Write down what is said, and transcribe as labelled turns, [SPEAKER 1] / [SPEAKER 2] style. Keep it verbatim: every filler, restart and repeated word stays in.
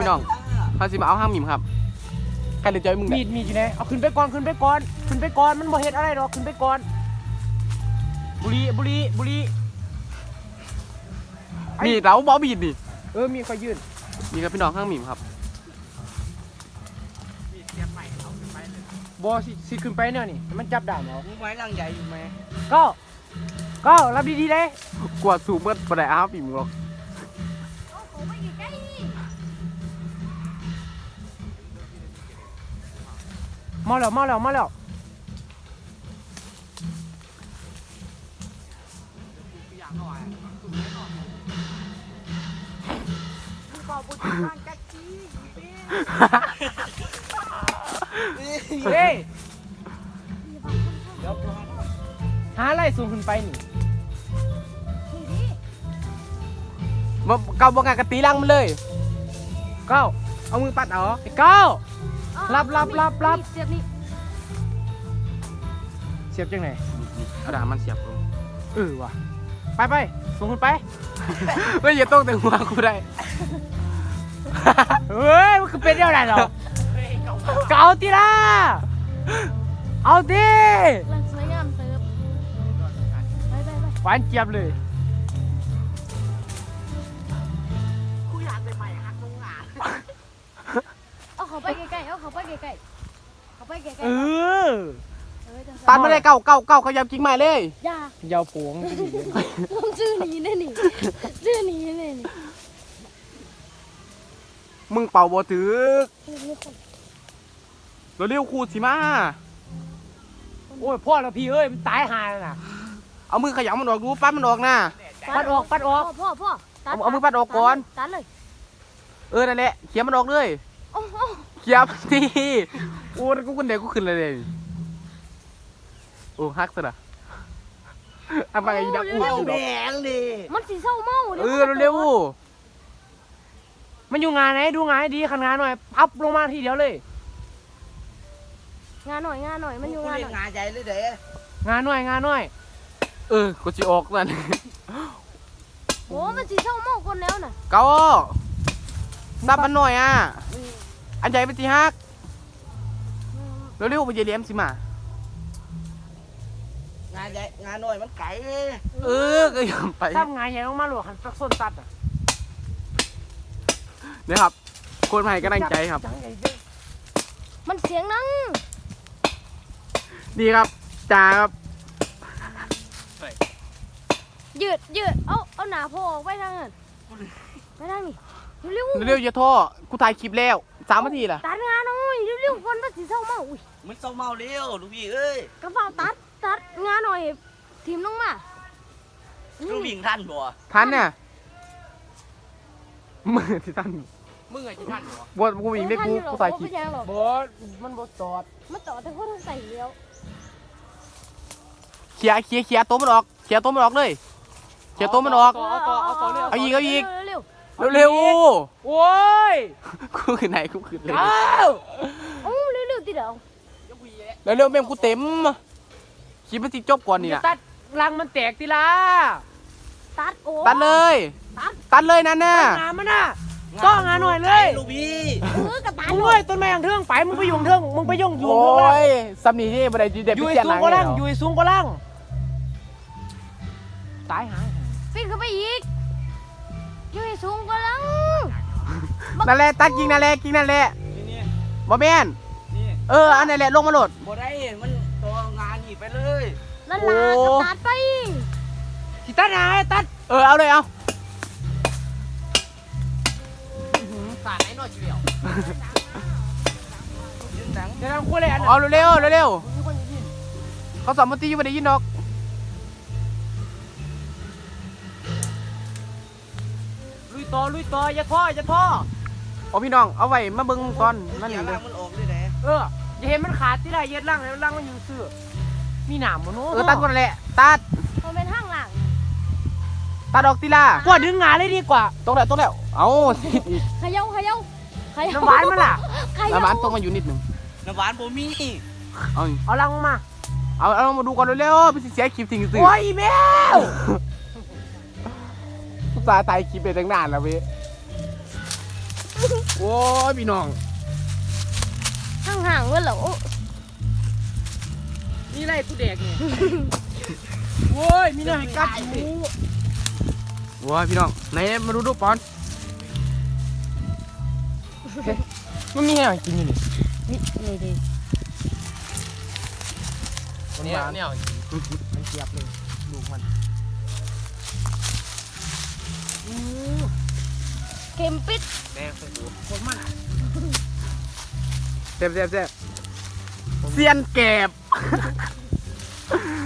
[SPEAKER 1] พี่น้องเขาสิมาเอาห้างหมิ่มครับใครเลยจอยมึงมีดมีดอยู่ไหนเอาขึ้นไปก่อนขึ้นไปก่อนขึ้นไปก่อนมันบ่เฮ็ดอะไรหรอกขึ้นไปก่อนบุรีบุรีบุรีมีดเราบอบีดดิเออมีไฟยืนมีครับพี่น้องห้างหมิ่มครับบอสิสิขึ้นไปเนี่ยนี่มันจับด่านเหรอมึงไม้ร่างใหญ่อยู่ไหมก็ก็รับดีๆเลยกวาดสูบเมื่อปะได้อาบอิ่มหรอกมาแล้วมาแล้วมาแล้วเฮ้ยหาอะไรสูงขึ้นไปนี่มาเกาบงานกระตีลังมันเลยเก้าเอามือปัดเอาไอ้เก้ารับรับรับรับเสียบนี่เสียบจังไหนเอาดามันเสียบลงเออว่ะไปไปสูงขึ้นไปไม่อย่าต้องแต่หัวกูได้เฮ้ยมันคือเป็นอะไรหรอเกาตีละเอาดิลังสวยงามเติบไปไปไปหวานเจี๊ยบเลยคุยหลานใหม่ๆฮักน้องหลานเอาเขาไปใกล้ๆเอาเขาไปใกล้ๆเขาไปใกล้ๆเออตันไม่ได้เก่าเก่าเก่าเขายาวจริงใหม่เลยยายาวผงชื่อนี้นี่นี่ชื่อนี้นี่นี่มึงเป่าบ่ถือเราเรียกครูสิมาโอ้ยพ่อเราพี่เอ้ยมันตายหาแล้วนะเอามือขยำมันออกดูปัดมันออกนะปัดออกปัดออกพ่อพ่อเอาเอามือปัดออกก่อนตัดเลยเออนั่นแหละเขี่ยมันออกเลยเขี่ยมันดีโอ้กูคนเดียวกูขึ้นเลยเลยโอ้ฮักซะนะทำอะไรอีดักอู้แดงดิมันสีเศร้าเมาเออเร็วมันอยู่งานไหนดูงานให้ดีขันงานหน่อยพับลงมาทีเดียวเลยงานหน่อยงานหน่อยมันอยู่งานหน่อยงานใหญ่เลยเด้งานหน่อยงานหน่อยเออกูจะออกนั่นโอ้มันสีเศร้าเมาคนแล้วน่ะเก้าซับมันหน่อยอ่ะอันใหญ่เป็นสีฮักเร็วๆไปเยี่ยมสิมางานใหญ่งานหน่อยมันไก่เออก็ยอมไปทำงานใหญ่ต้องมาหลวกหันสักส้นตัดอ่ะนี่ครับคนใหม่ก็ตั้งใจครับมันเสียงนั่งดีครับจ่าครับยืดยืดเอาเอาหนาโผล่ออกไปทางนั้นไปทางนี้เร็วเร็วอย่าท่อกูถ่ายคลิปแล้วสามนาทีล่ะตัดงานหน่อยเร็วๆคนมันสีเศร้าเมาอุ้ยมันเศร้าเมาเร็วลูกพี่เอ้ยกระเป๋าตัดตัดงานหน่อยทีมลงมาลูกวิ่งทันบ่ทันเนี่ยมือที่ทันมึงไงที่ทันบ่บ่กูวิ่งได้กูกูถ่ายคลิปบ่มันบ่จอดมันจอดแต่คนใส่เลี้ยวเขี่ยเขี่ยเขี่ยตัวมันออกเขี่ยตัวมันออกเลยเขี่ยตัวมันออกเอาต่อเอาต่อเอาอีกเอาอีกเร็วเร็วโอ้ยกูขึ้นไหนกูขึ้นเลยโอ้เร็วเร็วติดเอาเร็วเร็วแม่งกูเต็มคลิปมันติดจบก่อนนี่นะตัดรังมันแตกติล่ะตัดโอ้ตัดเลยตัดเลยนั่นน่ะงานมันน่ะก็งานหน่อยเลยลูกพี่เออกระต่ายเลยต้นไม้อย่างเทืองไปมึงไปยุ่งเทืองมึงไปยุ่งอยู่โอ้ยสำนีที่บันไดดีเด็ดอยู่สูงกว่าล่างอยู่สูงกว่าล่างตายหายปีนขึ้นไปอีกอยู่สูงกว่าล่างนั่นแหละตัดกิ่งนั่นแหละกิ่งนั่นแหละบ่แม่นเอออันนั่นแหละลงมาโหลดบ่ได้มันตัวงานนี่ไปเลยนั่นล่ะก็ตัดไปที่ตัดหายตัดเออเอาเลยเอาสาดไหนหน่อยเชียวเดี๋ยวทำคู่เลยอันเอาเร็วเร็วเร็วเขาสอนมันตีอยู่ไม่ได้ยินดอกลุยต่อลุยต่ออย่าท่ออย่าท่อเอาพี่น้องเอาไว้มาเบิ้งก่อนนั่นเองเลยเอออย่าเห็นมันขาดที่ไรเย็ดล่างแล้วล่างมันอยู่เสื้อมีหนามมันโน้เออตัดก่อนแหละตัดมันเป็นห้างล่างตัดออกตีล่ะกว่าดึงงานเลยดีกว่าตรงแล้วตรงแล้วเอาขย่าขย่าน้ำหวานมันล่ะน้ำหวานตรงมาอยู่นิดหนึ่งน้ำหวานผมมีเอาเอาลังมาเอาเอามาดูก่อนเร็วๆไปเสียคลิปทิ้งสิโอ้ยแมวตายตายคลิปไปตั้งนานแล้วพี่โอ้ยพี่น้อง
[SPEAKER 2] ห่างๆเว้ยเหรอ
[SPEAKER 3] นี่ไรกูเด็กเนี่ยโว้ยมีหน่อยกัดหู
[SPEAKER 1] โอ้ยพี่น้องไหนมาดูดูปอนมันมีอะไรกินอยู่นี่
[SPEAKER 2] นี่นี่ดิ
[SPEAKER 3] เนี่ยเนี่ยมันเจียบเลยลูกมัน
[SPEAKER 2] เค็มปิด
[SPEAKER 3] แดงใส่หัวคนมัน
[SPEAKER 1] เจ็บเจ็บเจ็บเซียนแกบ